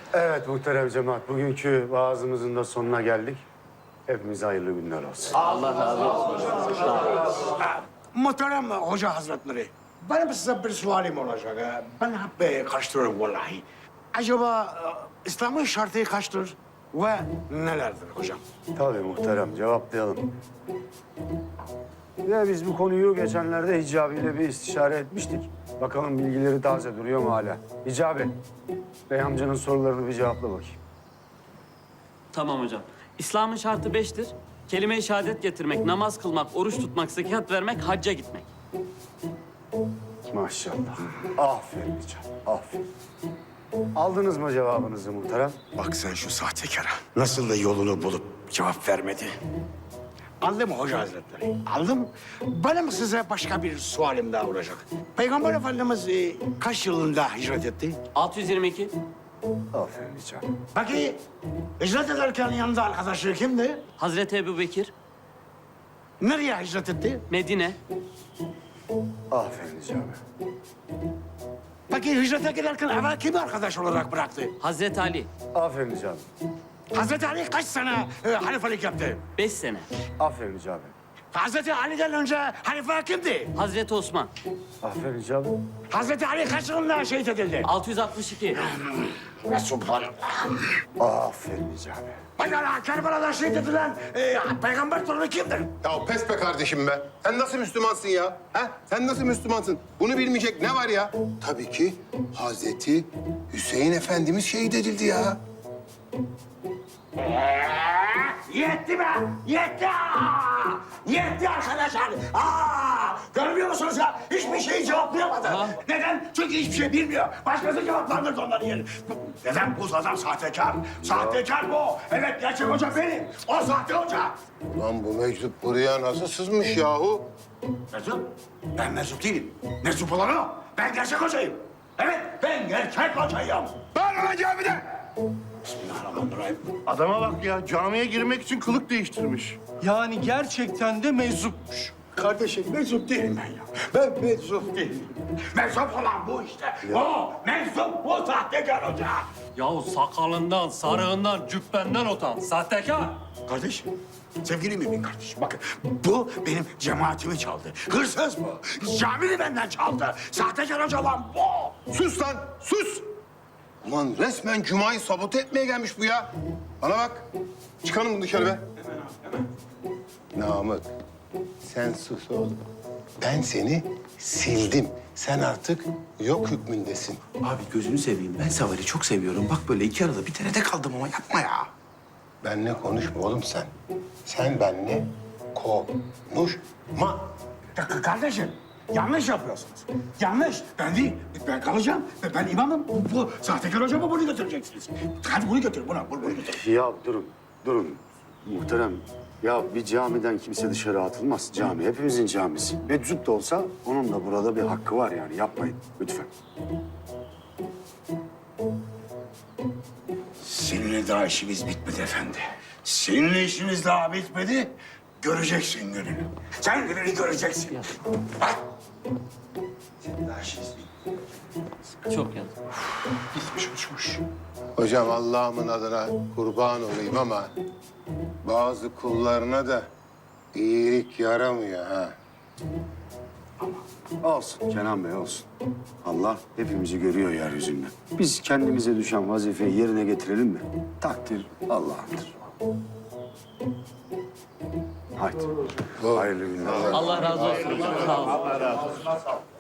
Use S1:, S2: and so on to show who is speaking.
S1: Evet muhterem cemaat, bugünkü vaazımızın da sonuna geldik. Hepimize hayırlı günler olsun.
S2: Muhterem Hoca Hazretleri, benim size bir sualim olacak. Ben hep karıştırıyorum vallahi. Acaba İslam'ın şartı kaçtır ve nelerdir hocam?
S1: Tabii muhterem, cevaplayalım. Ya biz bu konuyu geçenlerde Hicabi ile bir istişare etmiştik. Bakalım bilgileri taze duruyor mu hala? Hicabi, Bey amcanın sorularını bir cevapla bakayım.
S3: Tamam hocam. İslam'ın şartı 5'tir. Kelime-i şehadet getirmek, namaz kılmak, oruç tutmak, zekat vermek, hacca gitmek.
S1: Maşallah. Aferin Hicabi, aferin. Aldınız mı cevabınızı muhterem?
S2: Bak sen şu sahtekara. Nasıl da yolunu bulup cevap vermedi. Aldım Hoca Hazretleri, aldım. Benim size başka bir sualim daha olacak. Peygamber Efendimiz kaç yılında hicret etti?
S3: 622.
S1: Aferin Hicabi.
S2: Peki hicret ederken yanında arkadaşı kimdi?
S3: Hazreti Ebubekir.
S2: Nereye hicret etti?
S3: Medine.
S1: Aferin Hicabi.
S2: Peki hicrete giderken evvel kimi arkadaş olarak bıraktı?
S3: Hazreti Ali.
S1: Aferin Hicabi.
S2: Hazreti Ali kaç sene halifelik yaptı?
S3: 5 sene.
S1: Aferin Hicabi.
S2: Hazreti Ali'den önce halife kimdi?
S3: Hazreti Osman.
S1: Aferin Hicabi.
S2: Hazreti Ali kaç yılında şehit edildi?
S3: 662.
S2: Ve subhanallah.
S1: Aferin Hicabi.
S2: Pekala Kerbela'da şehit edilen peygamber torunu kimdir?
S4: Ya pes be kardeşim be. Sen nasıl Müslümansın ya? Ha? Sen nasıl Müslümansın? Bunu bilmeyecek ne var ya? Tabii ki Hazreti Hüseyin Efendimiz şehit edildi ya.
S2: Yetti be! Yetti! Yetti arkadaşlar! Görmüyor musunuz ya? Hiçbir şeyi cevaplayamadı. Neden? Çünkü hiçbir şey bilmiyor. Başkası cevaplandırdı onların yerini. Neden? Bu adam sahtekar. Sahtekar bu. Evet, gerçek hoca benim. O sahte hoca.
S4: Ulan bu meczup buraya nasıl sızmış yahu?
S2: Meczup? Ben meczup değilim. Meczup olan o. Ben gerçek hocayım. Evet, ben gerçek hocayım. Ben olacağım bir de. Bismillahirrahmanirrahim.
S5: Adama bak ya, camiye girmek için kılık değiştirmiş. Yani gerçekten de meczupmuş.
S2: Kardeşim meczup değilim ben ya. Ben meczup değilim. Meczup olan bu işte. O meczup bu sahtekar hoca.
S3: Yahu sakalından, sarığından, cübbenden utan. Sahtekar.
S2: Kardeşim, sevgili mümin kardeşim bakın bu benim cemaatimi çaldı. Hırsız bu. Camini benden çaldı. Sahtekar hoca olan bu.
S4: Sus lan, sus! Ulan resmen Cuma'yı sabote etmeye gelmiş bu ya. Bana bak, çıkalım bunu dışarı be. Namık, sen sus oğlum. Ben seni sildim. Sen artık yok hükmündesin.
S6: Abi gözünü seveyim. Ben Seval'i çok seviyorum. Bak böyle iki arada bir tenede kaldım ama yapma ya.
S4: Benle konuşma oğlum sen. Sen benle konuşma.
S2: Kardeşim yanlış yapıyorsunuz. Yanlış. Ben değil. Ben kalacağım. Ben imamım. Bu sahtekar hocama bunu götüreceksiniz. Hadi bunu götür. Bunu götür.
S1: Ya durun. Muhterem, ya bir camiden kimse dışarı atılmaz. Cami hepimizin camisi. Meczup da olsa onun da burada bir hakkı var yani. Yapmayın lütfen.
S2: Seninle daha işimiz bitmedi efendi. Seninle işimiz daha bitmedi. Göreceksin gününü. Sen gününü göreceksin. Bak. Senin daha işimiz bitmedi.
S3: Çok yazık.
S2: Uçmuş.
S4: Hocam Allah'ımın adına kurban olayım ama bazı kullarına da iyilik yaramıyor ha.
S1: Olsun Kenan Bey olsun. Allah hepimizi görüyor yeryüzünde. Biz kendimize düşen vazifeyi yerine getirelim mi? Takdir Allah'ındır. Haydi. Hayırlı günler.
S3: Allah razı olsun. Sağ olun.